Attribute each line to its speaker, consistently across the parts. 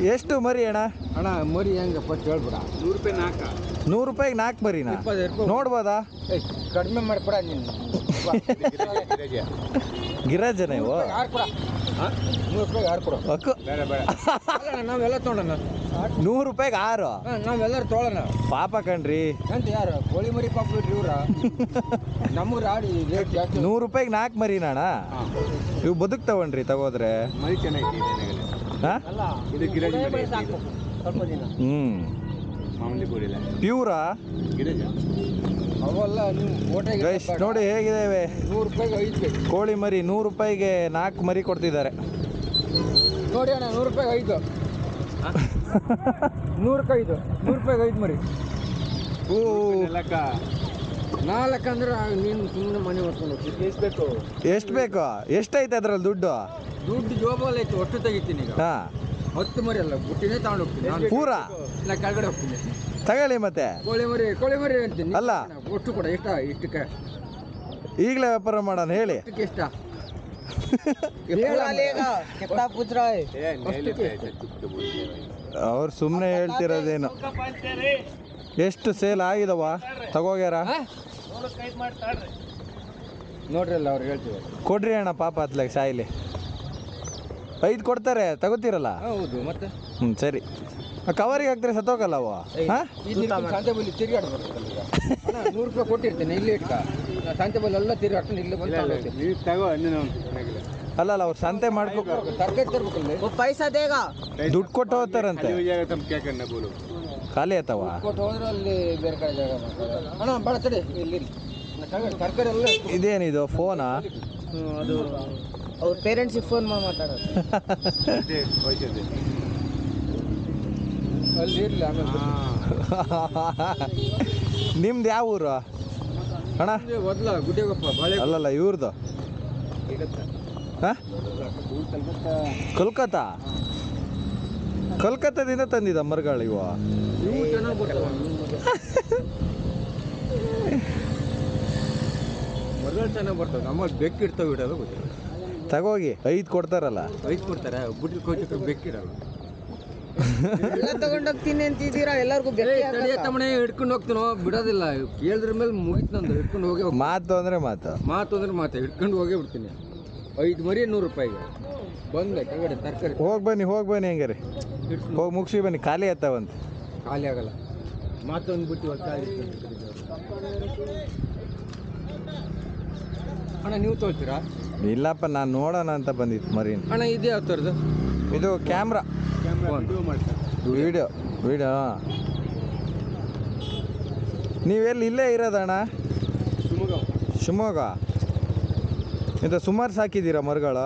Speaker 1: ಎಷ್ಟು ಮರಿ ಅಣ್ಣ?
Speaker 2: ಅಣ್ಣ ಮರಿ ಹೆಂಗಪ್ಪ ಹೇಳ್ಬಿಡ. 100 ರೂಪಾಯಿ 4.
Speaker 1: 100 ರೂಪಾಯಿಗೆ 4 ಮರಿನಾ? ನೋಡ್ಬೋದಾ?
Speaker 2: ಕಡಿಮೆ ಮಾಡಿಕೊಡ ನೀನು.
Speaker 1: ಗಿರಾಜನ ಇವು?
Speaker 2: 100 ರೂಪಾಯಿಗೆ 6 ಕೊಡು.
Speaker 1: ಅಕ್ಕು
Speaker 2: ನಾವೆಲ್ಲ ತೊಗೊಳೋಣ.
Speaker 1: 100 ರೂಪಾಯಿಗೆ 6?
Speaker 2: ನಾವೆಲ್ಲರೂ ತೊಗೊಳೋಣ.
Speaker 1: ಪಾಪ ಕಣ್ರಿ.
Speaker 2: ಅಂತ ಯಾರು ಕೋಳಿ ಮರಿ ಪಾಪ ಬಿಡ್ರಿ ಇವ್ರ. ನಮ್ಗೆ ರಾಡಿ ರೇಟ್ ಜಾಸ್ತಿ.
Speaker 1: 100 ರೂಪಾಯಿಗೆ 4 ಮರಿನಾ ಅಣ್ಣ? ಇವು ಬದುಕ್ತಾವನ್ರಿ ತಗೋದ್ರೆ?
Speaker 2: ಮರಿ ಚೆನ್ನಾಗಿ
Speaker 1: ಹಾಂ?
Speaker 2: ಇದು ಗಿರಾಜಿ ಸ್ವಲ್ಪ ದಿನ. ಮಾಮೂಲಿ ಬೋರಿಲ್ಲ.
Speaker 1: ಪ್ಯೂರಾ?
Speaker 2: ಅವೆಲ್ಲ ನೀವು ಫೋಟೋಗೆ
Speaker 1: ನೋಡಿ ಹೇಗಿದ್ದೇವೆ.
Speaker 2: 100 ರೂಪಾಯಿಗೆ 5 ಬೇಕು.
Speaker 1: ಕೋಳಿ ಮರಿ 100 ರೂಪಾಯಿಗೆ 4 ಮರಿ ಕೊಡ್ತಿದ್ದಾರೆ
Speaker 2: ನೋಡಿ ಅಣ್ಣ. 100 ರೂಪಾಯಿಗೆ 5. 100 ರೂಪಾಯಿಗೆ 5 ಮರಿ.
Speaker 1: ಓ
Speaker 2: 4 ಅಂದ್ರೆ ನೀನು ಸುಮ್ಮನೆ ಮನೆ ಹೊತ್ಕೊಂಡು ಹೋಗ್ತೀನಿ. ಎಷ್ಟು ಬೇಕು?
Speaker 1: ಎಷ್ಟು ಬೇಕು? ಎಷ್ಟೈತೆ ಅದ್ರಲ್ಲಿ ದುಡ್ಡು?
Speaker 2: ದುಡ್ಡು ಜೋಬಲ್ಲಿ ಐತೆ. ಒಟ್ಟು ತೆಗಿತೀನಿ ಈಗ.
Speaker 1: ಹಾಂ
Speaker 2: 10 ಮರಿ ಅಲ್ಲ, ಬುಟ್ಟಿನೇ ತಗೊಂಡು ಹೋಗ್ತೀನಿ.
Speaker 1: ಪೂರಾ?
Speaker 2: ಇಲ್ಲ ಕೆಳಗಡೆ ಹೋಗ್ತೀನಿ.
Speaker 1: ತಗೊಳ್ಳಿ ಮತ್ತೆ.
Speaker 2: ಕೋಳಿ ಮರಿ ಅಂತೀನಿ.
Speaker 1: ಅಲ್ಲ
Speaker 2: ಒಟ್ಟು ಕೂಡ ಇಷ್ಟಕ್ಕೆ
Speaker 1: ಈಗಲೇ ವ್ಯಾಪಾರ ಮಾಡೋಣ ಹೇಳಿ.
Speaker 2: ಎಷ್ಟ?
Speaker 1: ಅವ್ರು ಸುಮ್ಮನೆ ಹೇಳ್ತಿರೋದೇನು. ಎಷ್ಟು ಸೇಲ್ ಆಗಿದವ? ತಗೋಗ್ಯಾರ?
Speaker 2: ನೋಡ್ರಿ ಅಲ್ಲ ಅವ್ರು ಹೇಳ್ತೀವಿ.
Speaker 1: ಕೊಡ್ರಿ ಅಣ್ಣ ಪಾಪ ಅತ್ಲಾಗ ಸಾಯಿಲಿ. 5 ಕೊಡ್ತಾರೆ, ತಗೋತೀರಲ್ಲ?
Speaker 2: ಹೌದು ಮತ್ತೆ.
Speaker 1: ಸರಿ. ಕವರಿಗೆ ಹಾಕ್ತಾರೆ ಸತ್ತೋಗಲ್ಲ ಅವ?
Speaker 2: ಸಂತೆ ಬಲ್ಲಿ ತಿರುಗಾಡ್ಬೇಕು. 100 ರೂಪಾಯಿ ಕೊಟ್ಟಿರ್ತೇನೆ ಇಲ್ಲಿ ಇಟ್ಟ. ಸಂತೆ ಬಲ್ಲಿ ಎಲ್ಲ ತಿರುಗಾಡ್ಕೊಂಡು ಇಲ್ಲಿ ಬಂದು ತಗೋ.
Speaker 1: ಅಲ್ಲ ಅವ್ರು ಸಂತೆ ಮಾಡ್ಬೇಕು,
Speaker 2: ತರಕಾರಿ ತರ್ಬೇಕಲ್ಲ. ಪೈಸಾ ದೇಗ
Speaker 1: ದುಡ್ಡು ಕೊಟ್ಟು ಹೋಗ್ತಾರಂತೆ. ಖಾಲಿ ಆಯ್ತವ?
Speaker 2: ಕೊಟ್ಟು ಹೋದ್ರೆ ಅಲ್ಲಿ ಬೇರೆ ಕಡೆ ಜಾಗ ಮಾಡ್ತಾರೆ. ಅಣ್ಣ ಬೇಡ ತಡಿ, ಇಲ್ಲಿ ತರಕಾರಿ ಎಲ್ಲ.
Speaker 1: ಇದೇನಿದು ಫೋನಾ?
Speaker 2: ಅದು ಅವ್ರ ಪೇರೆಂಟ್ಸಿಗೆ ಫೋನ್ ಮಾಡಿ ಮಾತಾಡೋದು. ಅಲ್ಲಿ ಇರಲಿ ಆಮೇಲೆ.
Speaker 1: ನಿಮ್ದು ಯಾವ ಊರು ಅಣ್ಣ?
Speaker 2: ಮೊದಲ ಗುಡ್ಡೆಗೊಪ್ಪ ಬಾಳೆ.
Speaker 1: ಅಲ್ಲಲ್ಲ ಇವ್ರದ್ದು. ಹಾಂ ಕೋಲ್ಕತ್ತಾ? ಕೋಲ್ಕತ್ತಾದಿಂದ ತಂದಿದ್ದ ಮರಗಳು ಇವು?
Speaker 2: ಇವು ಚೆನ್ನಾಗಿ ಬರ್ತಾವ. ಮರಗಳು ಚೆನ್ನಾಗಿ ಬರ್ತವೆ. ನಮ್ಮಲ್ಲಿ ಬೆಕ್ಕಿಡ್ತಾವೆ ಇಡೋದು ಗೊತ್ತಿಲ್ಲ.
Speaker 1: ತಗೋಗಿ 5 ಕೊಡ್ತಾರಲ್ಲ?
Speaker 2: 5 ಕೊಡ್ತಾರೆ. ಬುಡ್ಡಿ ಕೋಚಕ್ಕೆ ಬೆಕ್ಕಿಡಲ್ಲ. ಎಲ್ಲ ತಗೊಂಡೋಗ್ತೀನಿ ಅಂತಿದ್ದೀರಾ ಎಲ್ಲರಿಗೂ? ತಮ್ಮನೆ ಹಿಡ್ಕೊಂಡು ಹೋಗ್ತೀನೋ ಬಿಡೋದಿಲ್ಲ. ಕೇಳಿದ್ರ ಮೇಲೆ ಮುಗಿತು ನಂದು. ಹಿಡ್ಕೊಂಡು ಹೋಗಿ
Speaker 1: ಮಾತು ಅಂದ್ರೆ ಮಾತು
Speaker 2: ಹಿಡ್ಕೊಂಡು ಹೋಗೇ ಬಿಡ್ತೀನಿ. 5 ಮರಿ 100 ರೂಪಾಯಿಗೆ ಬಂದೆ ಕೆಳಗಡೆ ತರಕಾರಿ.
Speaker 1: ಹೋಗಿ ಬನ್ನಿ ಹೆಂಗಾರಿ ಹೋಗಿ ಮುಗಿಸಿ ಬನ್ನಿ. ಖಾಲಿ ಆಯ್ತಾವಂತೆ.
Speaker 2: ಖಾಲಿ ಆಗಲ್ಲ. ಮಾತೊಂದು ಬಿಟ್ಟು ಅಣ್ಣ ನೀವು ತೋಳ್ತೀರಾ?
Speaker 1: ಇಲ್ಲಪ್ಪ ನಾನು ನೋಡೋಣ ಅಂತ ಬಂದಿತ್ತು ಮರಿ.
Speaker 2: ಅಣ್ಣ ಇದೇ ಯಾವ ಥರದ್ದು?
Speaker 1: ಇದು ಕ್ಯಾಮ್ರಾ ವಿಡಿಯೋ. ನೀವೆಲ್ಲಿ ಇಲ್ಲೇ ಇರೋದಣ್ಣ? ಶಿವಮೊಗ್ಗ. ಇದು ಸುಮಾರು ಸಾಕಿದ್ದೀರಾ ಮರಗಳು?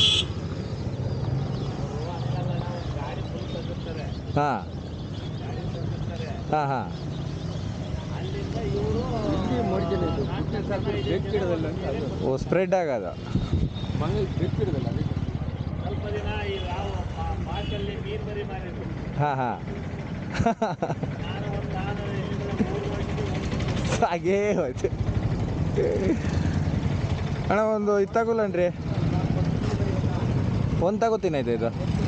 Speaker 1: ಹಾಂ. ಓ ಸ್ಪ್ರೆಡ್ ಆಗೋದು. ಹಾಂ ಹಾಗೇ ಹೋಯ್ತು ಅಣ್ಣ. ಒಂದು ಇದು ತಗೊಳ್ಳನ್ರಿ. ಒಂದು ತಗೋತೀನಿ ಆಯ್ತು ಇದು.